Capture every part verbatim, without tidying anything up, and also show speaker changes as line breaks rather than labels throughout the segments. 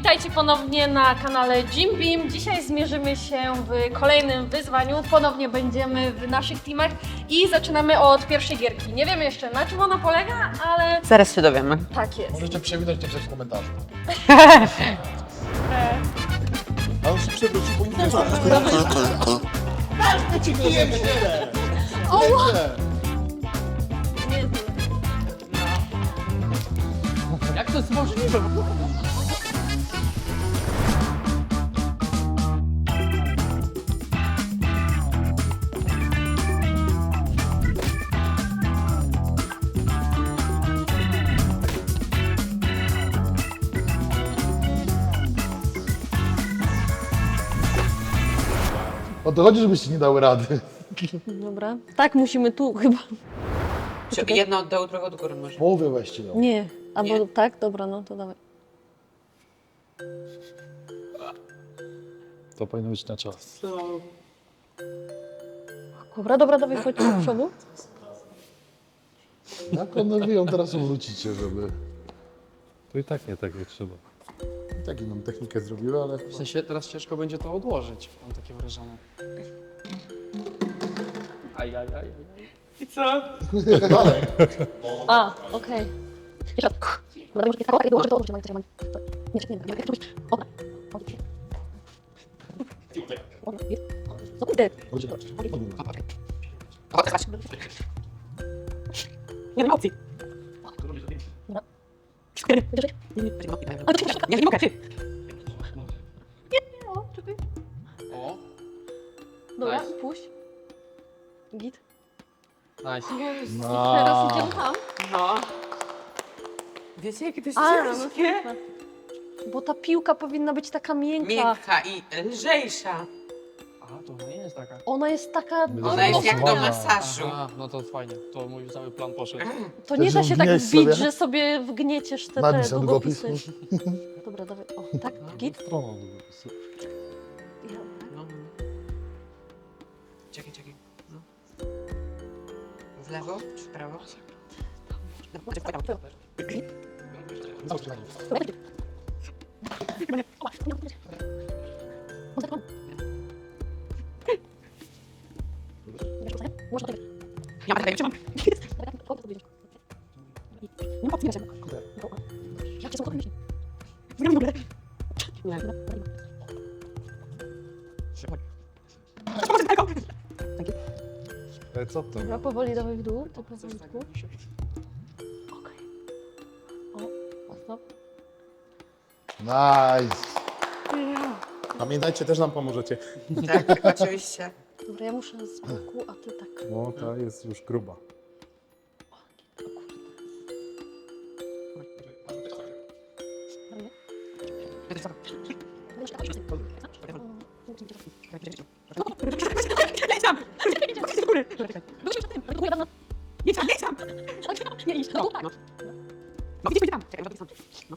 Witajcie ponownie na kanale Jim Beam. Dzisiaj zmierzymy się w kolejnym wyzwaniu. Ponownie będziemy w naszych teamach i zaczynamy od pierwszej gierki. Nie wiemy jeszcze, na czym ona polega, ale
Zaraz się dowiemy.
tak jest.
Możecie przewinąć to w komentarzu. A on się przewrócił, bo nic nie
Jak to jest możliwe?
O to chodzi, żebyście nie dały rady.
Dobra. Tak, musimy tu chyba.
Czy jedno od dołu, drugie od góry może.
Połowę weźcie no.
Nie. Albo
Nie.
tak? Dobra, no to dawaj.
To powinno być na czas.
Dobra, dobra, dawaj, chodź do przodu.
Jak one wy ją teraz obrócicie, żeby...
To i tak nie tak jak trzeba.
Tak inną technikę zrobiły, ale...
W sensie teraz ciężko będzie to odłożyć, mam takie wrażenie. Aj, aj, aj, aj.
I co?
A, okej. Jeszcze raz. Dobra, może tak, dołożę to, odwróć, nie, nie, nie, nie, nie, dobra. Co kurde?
Nie ma opcji.
Dobra.
Nie, nie mogę, ty.
O, czekaj.
O,
Dobra,
Nice.
puść. Git.
nice.
Teraz idziemy tam.
No. Wiecie, jakie to jest
A, no
ciężkie?
super. Bo ta piłka powinna być taka miękka.
Miękka i lżejsza.
A, to nie jest taka.
Ona jest taka...
Ona jest jak do
Losowana.
masażu.
A, no to fajnie, to mój cały plan poszedł.
To nie da
Chcesz
się tak
wgnieść
bić,
sobie?
że sobie wgnieciesz te, te
Napisz na
długopisy.
długopis.
Dobra, dawaj. O, tak, git.
Stroną.
Ja-
No. Czekaj, czekaj. No. W lewo czy w prawo? Ja mam trzymam. Nie ma opcji, nie w ogóle. Nie.
Ale co to?
Dobra, powoli dawaj w dół, to powoli w dół. Okej. O, stop.
Nice. Pamiętajcie, też nam pomożecie.
Tak, oczywiście.
Dobra, ja muszę z boku, a ty tak.
No, ta jest już gruba.
Nie tam, nie tam!
Nie idź, no tak.
No widzisz, tam. Czekaj, no no.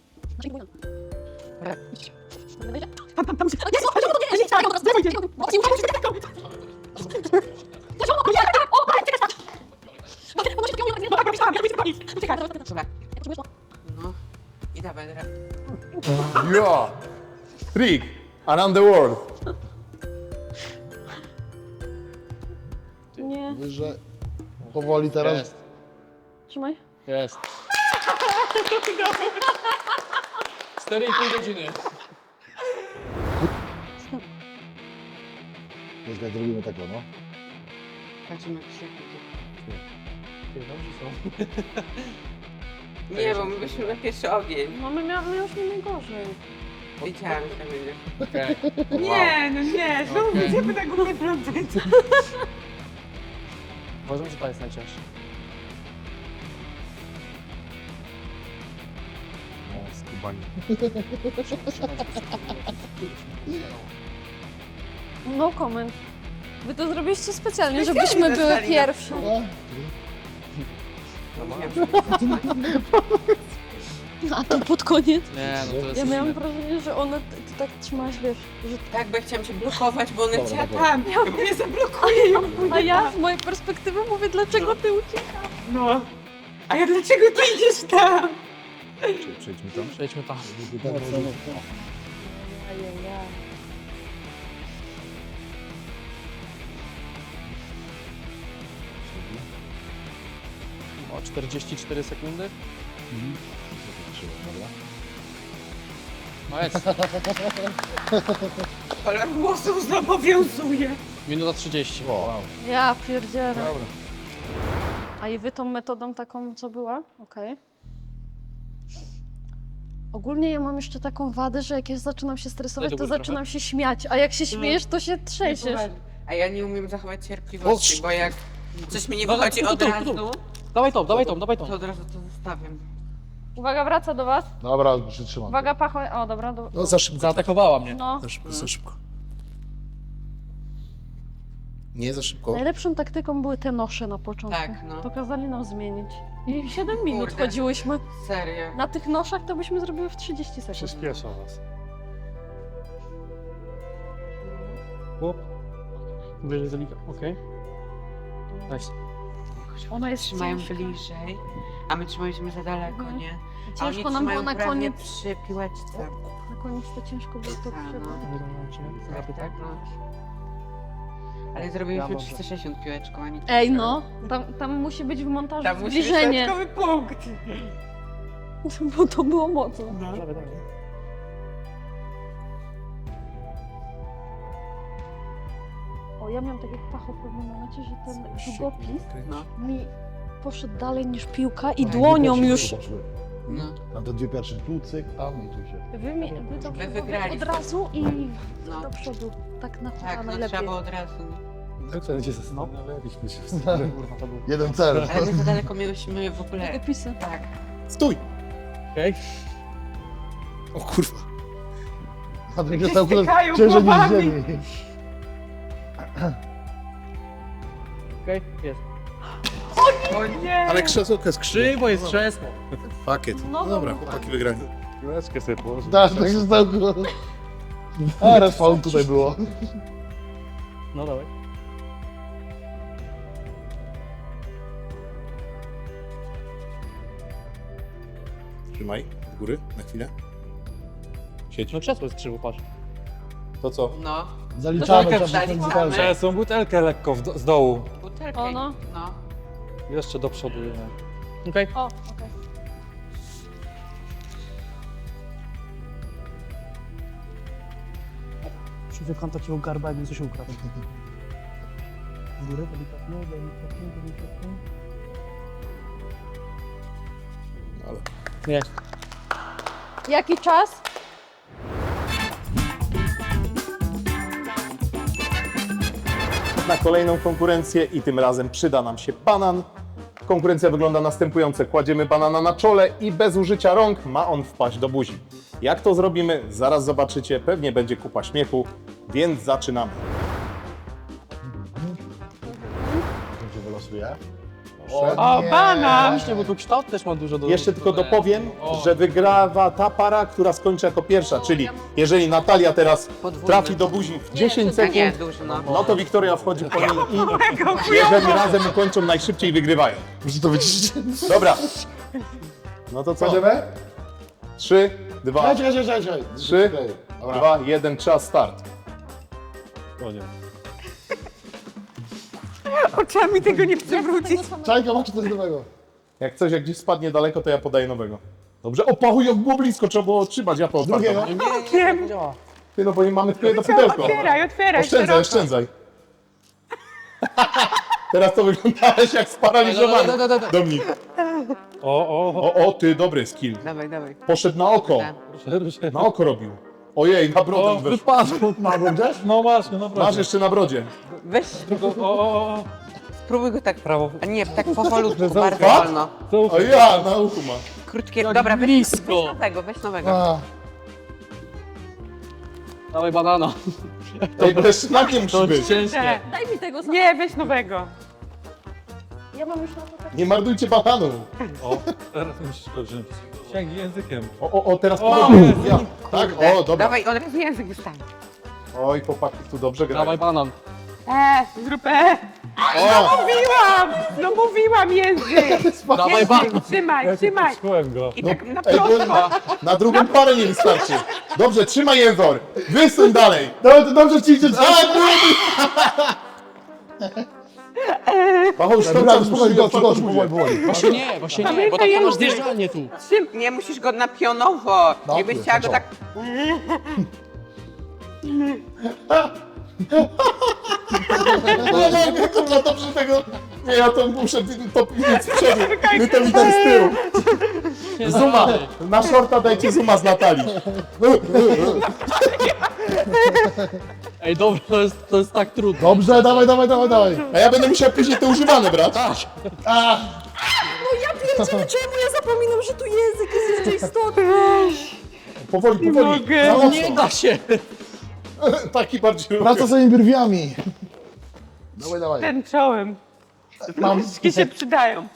Tam, tam, tam.
Nie, no, czemu to nie jest? Czekaj, teraz zdejmuj, zdejmuj. Bo ci muszę czekać. Dlaczego? Nie, o, ale czekaj, tak. Ono się takiego nie
No tak, myślałam, ja widzę koniec. Czekaj,
Dobra.
Dobra. No. I dawaj, teraz.
Ja! Trick! Around the world!
Nie,
Wyżej. Powoli teraz.
Jest,
trzymaj.
jest. cztery i pół godziny.
Jest jak robimy tak, no.
Patrzymy, jak się...
Ty, dobrze są.
Nie, bo my byśmy na pierwszy ogień.
No my, mia- my już nie najgorzej.
Wiedziałam, że tak będzie.
Okej.
Nie, no nie, znowu
Okej.
będziemy na głupie plątać.
Uważam, że ta jest najcięższa.
O, skubani.
No comment. Wy to zrobiliście specjalnie, żebyśmy były
dostali.
pierwsze. A to pod koniec.
Nie, no to jest
Ja miałam
inne.
wrażenie, że ona, ty, ty tak trzymałaś, wiesz, że...
Tak, bo ja chciałam cię blokować, bo ona
Dobra,
chciała
dobra.
tam. Ja mówię, zablokuję ją.
A ja z mojej perspektywy mówię, dlaczego ty uciekasz?
No. A ja dlaczego ty idziesz tam?
Czyli przejdźmy tam.
Przejdźmy tam. O czterdzieści cztery sekundy. No jest.
Kolor włosów zobowiązuje.
Minuta trzydzieści.
Wow.
Ja pierdzielę.
Dobra.
A i wy tą metodą taką, co była? Okej. Ogólnie ja mam jeszcze taką wadę, że jak ja zaczynam się stresować,
Daj do
to
góry
zaczynam się śmiać, a jak się śmiejesz, to się trzęsiesz.
A ja nie umiem zachować cierpliwości, bo jak coś mi nie
Dobra,
wychodzi
tu, tu,
od
tu,
razu,
tu. Dawaj tą, dawaj tą, dawaj tą.
to od razu to zostawiam.
Uwaga, wraca do was.
Dobra, przytrzymam.
Uwaga, pacho... O, dobra. Do...
No za szybko.
Zaatakowała mnie.
No.
Za szybko, za szybko. Nie za szybko.
Najlepszą taktyką były te nosze na początku.
Tak, no.
To kazali nam zmienić. I siedem minut
Kurde.
chodziłyśmy.
Serio.
Na tych noszach to byśmy zrobiły w trzydzieści sekund.
Przyspiesza was. Chłop.
Wyżej zalika. Okej. Nice.
Ona jest
Trzymają
ciężka.
bliżej, a my trzymaliśmy za daleko,
Mhm.
nie? A
Ciężko
oni
nam było
trzymają
na
prawie
koniec.
przy piłeczce.
Na koniec to ciężko było to
A,
przebrać.
no. Tak, tak, no. Ale
Ja
zrobiliśmy
dobrze.
trzysta sześćdziesiąt piłeczką, a nie
Ej no, tam, tam musi być w montażu
Tam musi być
zbliżenie,
dodatkowy punkt.
bo to było mocno.
Dawaj, dawaj.
O, ja miałam tak jak Pacho w pewnym momencie, że ten długopis
No,
mi poszedł dalej niż piłka i
Tak,
dłonią już.
no.
Tam te dwie pierwsze tu cyk, a my tu się.
Wy, mi, wy to
Wy wygraliście.
od razu i
No.
do przodu. Tak na
Tak,
tak,
no
najlepiej.
trzeba było od razu.
Tak to będzie zastanawialiśmy się.
Kurwa, to był.
Jeden cel.
Ale my za daleko mieliśmy w ogóle.
Długopisy.
Tak.
Stój!
Okej.
O kurwa. Patryk został
stykają
ciężej niż
głowami.
ziemi.
Okej, jest.
O nie!
Ale krzesełko jest krzyk.
Krzywo jest krzesło.
Pakiet.
No
No dobra,
dobra.
chłopaki wygrali.
Piłeczkę sobie położyć.
Tak, tak się stało. A, respawn tutaj było.
No dawaj.
Trzymaj, do góry, na chwilę. Siedź.
No krzesło jest krzywo, patrz.
To co?
No,
Zaliczamy,
Butelkę
trzeba
wsadzić
wsadzić
mamy.
butelkę.
Trzeba butelkę lekko w do, z dołu.
butelkę.
O, no.
No.
Jeszcze do przodu. Nie?
Okej.
O, okej.
Człowiekam takiego garba, jakby coś ukradł. Z góry, delikatnie, delikatnie, delikatnie.
Ale...
Jest.
Jaki czas?
Na kolejną konkurencję i tym razem przyda nam się banan. Konkurencja wygląda następująco. Kładziemy banana na czole i bez użycia rąk ma on wpaść do buzi. Jak to zrobimy? Zaraz zobaczycie. Pewnie będzie kupa śmiechu, więc zaczynamy.
Gdzie wylosuje?
O, banan!
Właśnie, bo tu kształt też ma dużo do...
Jeszcze tylko
do-
dopowiem,
O.
że wygrawa ta para, która skończy jako pierwsza, czyli jeżeli Natalia teraz
Podwójny.
trafi do buzi w dziesięć
A nie,
sekund,
duży, no.
no to Wiktoria wchodzi po niej i jeżeli razem ukończą najszybciej, wygrywają.
Muszę to wyciszyć.
Dobra. No to co?
Kładziemy?
Trzy, dwa,
Czekaj, czekaj, czekaj, czekaj.
Trzy.
Czekaj. Dobra.
dwa, jeden, czas, start. O nie.
Oczami tego nie chcę wrócić.
Czajka, masz coś nowego.
Jak coś, jak gdzieś spadnie daleko, to ja podaję nowego. Dobrze, o pachuj, jak było blisko, trzeba było trzymać, ja po
Drugiego?
Wiem.
Działa.
Ty, no bo nie mamy tylko jedno pudełko.
Otwieraj, otwieraj.
Oszczędzaj,
szeroko.
oszczędzaj. Teraz to wyglądałeś jak sparaliżowany.
Da, da, da, da, da.
Dominik.
O, o, o.
O, o, ty, dobry skill.
Dawaj, dawaj.
Poszedł na oko.
Tak.
Na oko robił. Ojej, na
O,
brodę weszł.
wypadło.
Ma go gdzieś?
No właśnie, naprawdę.
Masz jeszcze na brodzie.
Weź,
O, o, o, o.
spróbuj go tak.
Prawo.
A nie, tak powolutku,
Że
bardzo
zaufa?
wolno.
O ja, na uchu ma.
Krótkie.
Jak
Dobra, weź,
blisko.
weź nowego, weź nowego.
A,
Dawaj banana.
Ej, bez znakiem musi
To
być.
ciężkie.
Daj mi tego sam.
Nie, weź nowego.
Ja mam już na to tak.
Nie marnujcie bananu. O,
Teraz musisz to wziąć. Sięgnij językiem.
o, o, o teraz
O,
podobnie. Ja. Tak? O, dobra.
Dawaj, od razu język wystań.
Oj, chłopaki tu dobrze grają.
Dawaj banan.
E, zrób e.
Mówiłam! No mówiłam język!
Dawaj, ba!
Trzymaj, trzymaj!
Słuchałem go.
I tak na
Ej, bo
prosto.
na, na drugą parę nie wystarczy. Dobrze, trzymaj jęzor. Wysuń dalej.
Dobra, to dobrze ci idzie.
A, Paweł,
Dobra, spokojnie, gościu, gościu, powoli, powoli.
Właśnie nie, właśnie nie, bo tak to masz zjeżdżalnię tu.
Trzym... Nie, musisz go na pionowo.
No,
Jakbyś chciała go
no.
tak...
Nie, nie, nie, kurwa, dobrze tego... Nie, ja to muszę to pilnić z przodu. My to widać z tyłu. Zuma, na shorta dajcie zuma z Natalii.
Ej, dobra, to jest, to jest tak trudne.
Dobrze, dawaj, dawaj, dawaj, dawaj.
A ja będę musiał później te używane brać.
A,
Pierdziele, czemu ja zapominam, że tu język jest jeszcze istotny?
Powoli, powoli.
mogę.
Na mocno.
Nie da się.
Taki bardziej
praca swoimi brwiami. Dawaj, dawaj.
Ten czołem.
Mam.
Wszystkie się przydają.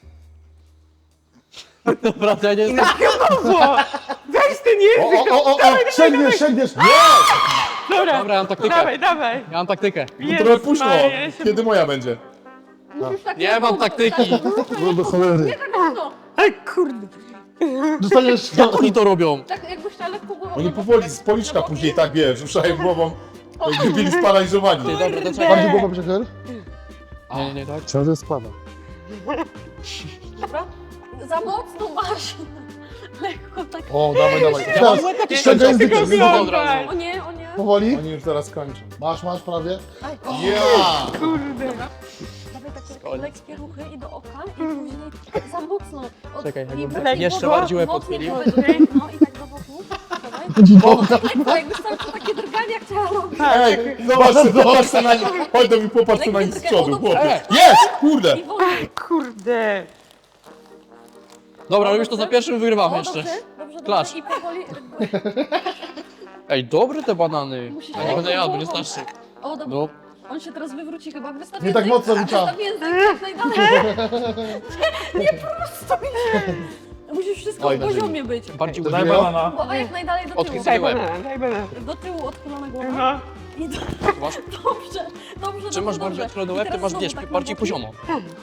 Dobra, to ja nie
I na pionowo! Weź ten
O,
język!
o, o, o, sięgniesz, sięgniesz.
Dobra,
Dobra, ja mam taktykę.
dawaj, dawaj.
Ja mam taktykę.
Trochę późno.
Maria, ja się-
Kiedy moja będzie?
Nie mam taktyki.
Do cholery.
Aj, kurde.
Dostaniesz...
Jak oni to robią?
Tak jakbyś na lekko głową...
Oni powoli z policzka później tak, wiesz, ruszają głową. Jakby byli sparaliżowani.
Ty, dobra, to czekaj.
Bardziej głowę przechyl.
Nie, nie, nie, tak.
Ciągle spada.
Dobra? Za mocno masz. Lekko tak.
O, dawaj, dawaj.
Ja mam
Teraz
łeb jakiś
ściągaj
szczęśliwy
językiem.
tylko od razu.
O nie, o nie.
Powoli.
Oni już zaraz kończą.
Masz, masz prawie.
Aj,
Ja!
Kurde.
dawaj takie lekkie ruchy i do oka i później za mocno. Od,
Czekaj,
i
jakbym
mocniej
jeszcze
głowa,
bardziej łeb
mocniej
odchylił.
głowę do tyłu, no i tak do boku. Dawaj. Tak, jakbyś cały czas takie drgania chciała robić.
Ej, zobacz, zobacz na nich. Chodź do mnie, popatrz na nich z przodu, chłopie. Jest! Kurde!
I wolniej.
Kurde.
Dobra, robisz to za pierwszym, wygrywam
O,
jeszcze.
dobrze, dobrze,
Klacz.
dobrze. I powoli...
Ej, dobre te banany.
Musisz
Ja nie będę jadł, nie
głową.
starszy.
O, dobra.
No.
On się teraz wywróci chyba. Wystaw
Nie tak
język.
mocno rzuca.
Wystaw język jak najdalej. Nie, nie prostuj się. Musisz wszystko
Oj,
w
na ziemi.
poziomie być.
Bardziej
Daj
użyłem.
banana.
Głowa jak najdalej do tyłu.
Odchyl
Daj
łeb.
banana, daj banana.
Do tyłu odchylona głowa.
No.
I do...
Masz,
Dobrze, dobrze,
czy masz
dobrze,
bardziej
dobrze.
odchylony
I
łeb, ty
teraz
masz,
znowu
wiesz,
tak na
bardziej
boki.
poziomo.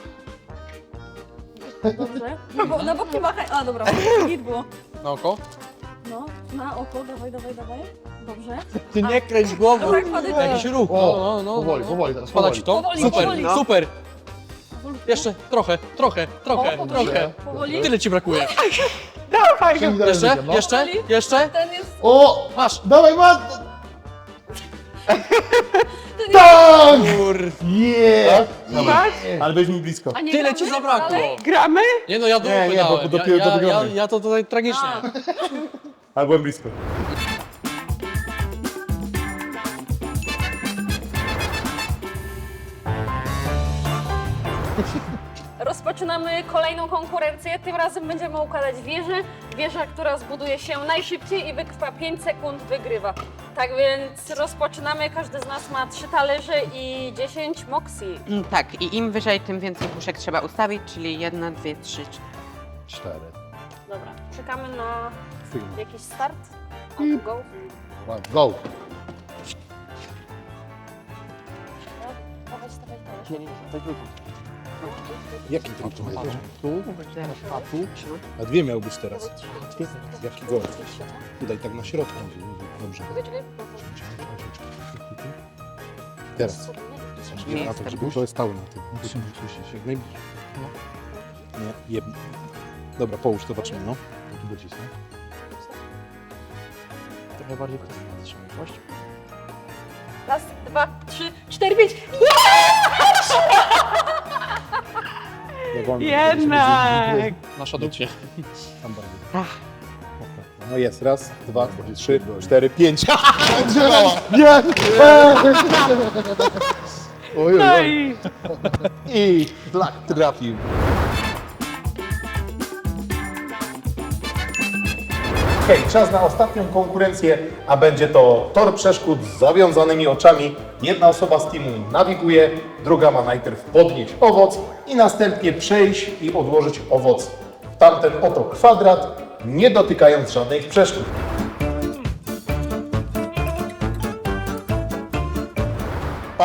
Dobrze. Na, bo, na boki machaj. A, dobra. Git było.
Na oko?
No, na oko. Dawaj, dawaj, dawaj. Dobrze.
Ty nie kręć głową.
Dobra, kładę
Jakiś ruch. No, no, no.
Powoli,
no.
powoli teraz,
Spada
powoli.
ci to?
Powoli,
Super,
powoli.
super.
Powolutku.
Jeszcze trochę, trochę, trochę,
O, powoli.
trochę.
Powoli.
Tyle ci brakuje.
Dawaj go.
Sięgnij dalej
Jeszcze,
językiem, no.
jeszcze, jeszcze.
Ten jest...
O!
Masz.
Dawaj, mat!
Ten jest...
Tak!
Kur...
Yeah!
Masz?
Ale weź mi blisko.
A nie
Tyle
gramy
ci zabrakło.
dalej?
Gramy?
Nie no, ja dupy
Nie, nie, bo- bo
dałem.
dopiero
ja,
do
ja, ja,
wygramy.
ja to tutaj tragicznie.
Ale byłem blisko.
Rozpoczynamy kolejną konkurencję. Tym razem będziemy układać wieżę. Wieża, która zbuduje się najszybciej i wytrwa pięć sekund, wygrywa. Tak więc rozpoczynamy. Każdy z nas ma trzy talerze i dziesięć moksji.
Mm, Tak, i im wyżej, tym więcej puszek trzeba ustawić, czyli jedna, dwie, trzy, cztery.
Cztery.
Dobra, czekamy na jakiś start. O, go.
One, go.
Dawaj, stawaj talerz.
Nie, nie, to tylko.
Jaki ty tu masz? Tu? A tu? A dwie miał być teraz. Jaki gol? Tutaj tak na środku. Dobrze. Teraz.
Nie
Na
jest
to,
ten
żeby
burz.
to jest stały na tym. Musimy musisz jak najbliżej. Nie, jeb... Dobra, połóż, zobaczymy, no. Tu docisnę.
Trochę bardziej wytrzymałość.
Raz, dwa, trzy, cztery, pięć.
Jednak.
Nasza dupcie.
Tam bardziej.
Ach.
No jest, raz, dwa, trzy, cztery, pięć.
Nie! Oj, oj,
No
oj.
i
I flak trafił.
Hej, czas na ostatnią konkurencję, a będzie to tor przeszkód z zawiązanymi oczami. Jedna osoba z teamu nawiguje, druga ma najpierw podnieść owoc i następnie przejść i odłożyć owoc w tamten oto kwadrat, nie dotykając żadnych przeszkód.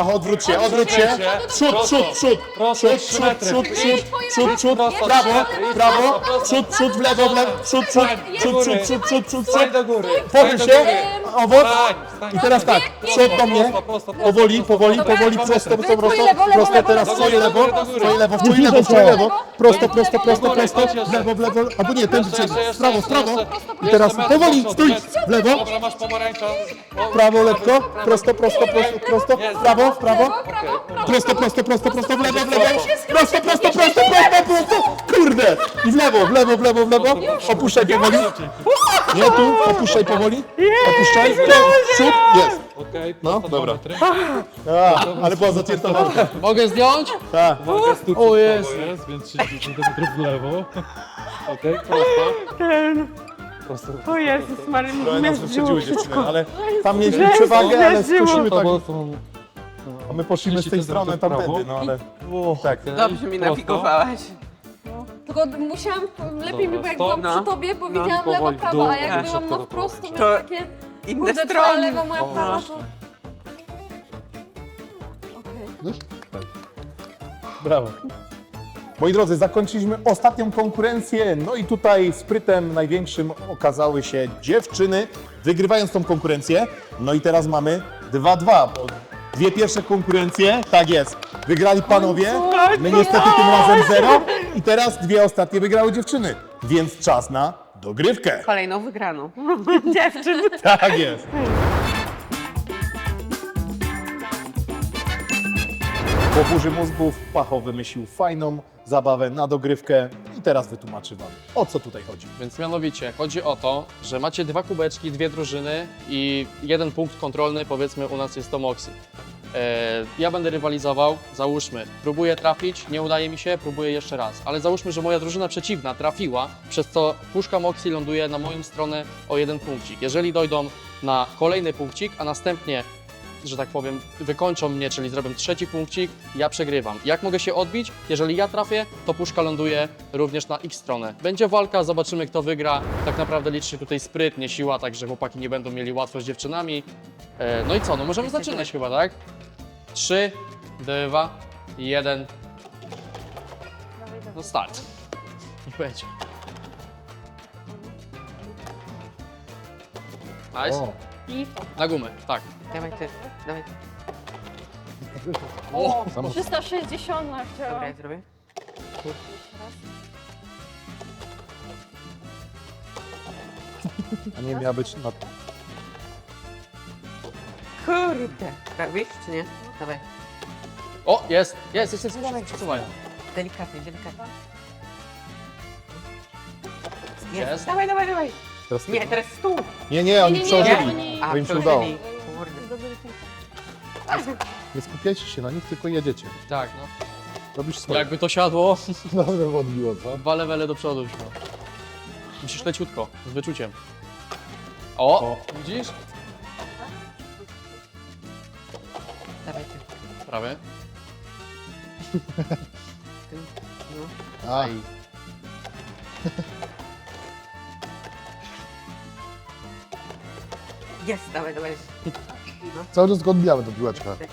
Pacho, odwróć się, odwróć się. Przód, przód, przód. Przód, przód, przód, przód, przód, przód, prawo, prawo, przód, przód, w lewo, w lewo, przód, przód, przód, przód, przód, przód, przód, przód.
do góry.
Pochyl się, owoc. I teraz tak, przód do mnie.
Prosto,
Powoli, powoli, powoli, prosto, prosto, prosto,
lewo, lewo,
prosto,
lewo,
teraz
lewo,
twoje
lewo,
lewo,
lewo,
twoje lewo, twoje lewo, twoje lewo, prosto, prosto, prosto, prosto, w lewo, w lewo, albo nie, ten przed, w prawo, w prawo. I teraz powoli, stój, w lewo,
Dobra, masz pomarańcza.
w prawo, lekko, prosto, prosto, prosto, prosto, w prawo, w prawo, prosto, prosto, prosto, prosto, w lewo, w lewo, prosto, prosto, prosto, prosto, prosto, kurde, i w lewo, w lewo, w lewo, w lewo, opuszczaj powoli, nie tu, opuszczaj powoli, opuszczaj, w przód, jest.
Okej,
No,
prosto
dobra.
dwa metry.
A, ale była zacięta walka.
Mogę zdjąć?
Tak.
Uwaga, stóp
O, jest.
jest, więc trzydzieści centymetrów w lewo. Okej, prosto.
Ten.
Prosto.
O Jezus Maria,
Trochę nas
zmierzyło
wyprzedziły
wszystko.
dziewczyny, ale tam mieliśmy przewagę, ale
zmierzyło.
skusimy tak.
To są...
A my poszliśmy z tej strony tamtędy, no ale... Tak.
Dobrze mi nawigowałaś.
Tylko musiałam, lepiej mi było jak byłam
No.
przy tobie, bo
No.
widziałam lewo,
Powoli w
prawo,
dół.
a jak
Tak.
byłam no wprost, to
To
miałam takie...
Inne
Kurde, twoja
strony.
lewa, moja prawa, to... Okej.
Brawo. Moi drodzy, zakończyliśmy ostatnią konkurencję, no i tutaj sprytem największym okazały się dziewczyny, wygrywając tą konkurencję. No i teraz mamy dwa dwa, bo dwie pierwsze konkurencje, tak jest, wygrali panowie, my niestety tym razem zero i teraz dwie ostatnie wygrały dziewczyny, więc czas na dogrywkę.
Kolejną wygraną.
Dziewczyn.
Tak jest. Po burzy mózgów Pacho wymyślił fajną zabawę na dogrywkę i teraz wytłumaczy wam, o co tutaj chodzi.
Więc mianowicie chodzi o to, że macie dwa kubeczki, dwie drużyny i jeden punkt kontrolny, powiedzmy u nas jest to Moxie. E, ja będę rywalizował, załóżmy, próbuję trafić, nie udaje mi się, próbuję jeszcze raz. Ale załóżmy, że moja drużyna przeciwna trafiła, przez co puszka Moxie ląduje na moją stronę o jeden punkcik. Jeżeli dojdą na kolejny punkcik, a następnie, że tak powiem, wykończą mnie, czyli zrobią trzeci punkcik, ja przegrywam. Jak mogę się odbić? Jeżeli ja trafię, to puszka ląduje również na ich stronę. Będzie walka, zobaczymy kto wygra. Tak naprawdę liczy się tutaj spryt, nie siła, także chłopaki nie będą mieli łatwo z dziewczynami. E, no i co, no możemy zaczynać chyba, tak? Trzy, dwa, jeden. No start. Niech będzie. Nice.
O,
I...
Na gumę, tak.
Dawaj ty, dawaj ty.
O,
trzysta sześćdziesiąt
Dobra,
chciałam.
ja zrobię.
a nie miała być na...
Kurde. Robisz czy nie? Dawaj.
o jest, jest, jest, jest. Przesuwaj.
Delikatnie, delikatnie.
Jest.
Dawaj, dawaj, dawaj.
Teraz ty.
Nie, teraz stół.
Nie, nie, oni
Nie, nie, nie,
przełożyli.
oni-
To im się udało.
przełożyli. Kurde.
Nie skupiajcie się na nich, tylko jedziecie.
Tak, no.
Robisz swoje.
Jakby to siadło,
Dobrze odbiło, co?
dwa levele do przodu już. No. Musisz leciutko, z wyczuciem. O, widzisz?
Dawaj ty.
Prawie.
Ty. No.
A,
Jest, dawaj, dawaj.
Cały czas go odbijamy do piłeczka.
Leć.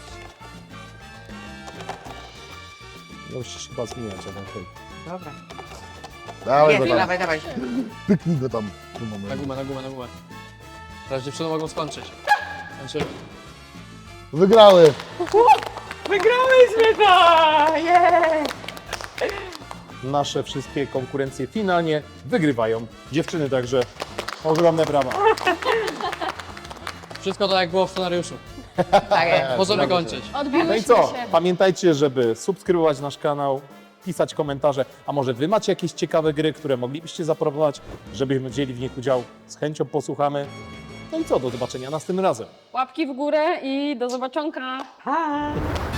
no musisz chyba zmieniać jeden hej.
Dobra.
Dawaj
Jest,
go tam,
dawaj, dawaj.
pyknij go tam. Tu
Na
mamy.
gumę, na gumę, na gumę. Teraz dziewczyny mogą skończyć. Skończymy.
Wygrały!
Wygrałyśmy to! Jej!
Nasze wszystkie konkurencje finalnie wygrywają dziewczyny, także ogromne brawa.
Wszystko tak jak było w scenariuszu.
Tak jest.
Możemy kończyć.
No i
Odbiłyśmy
co?
się.
Pamiętajcie, żeby subskrybować nasz kanał, pisać komentarze, a może wy macie jakieś ciekawe gry, które moglibyście zaproponować, żebyśmy wzięli w nich udział. Z chęcią posłuchamy. No i co? Do zobaczenia następnym razem.
Łapki w górę i do zobaczonka.
Pa.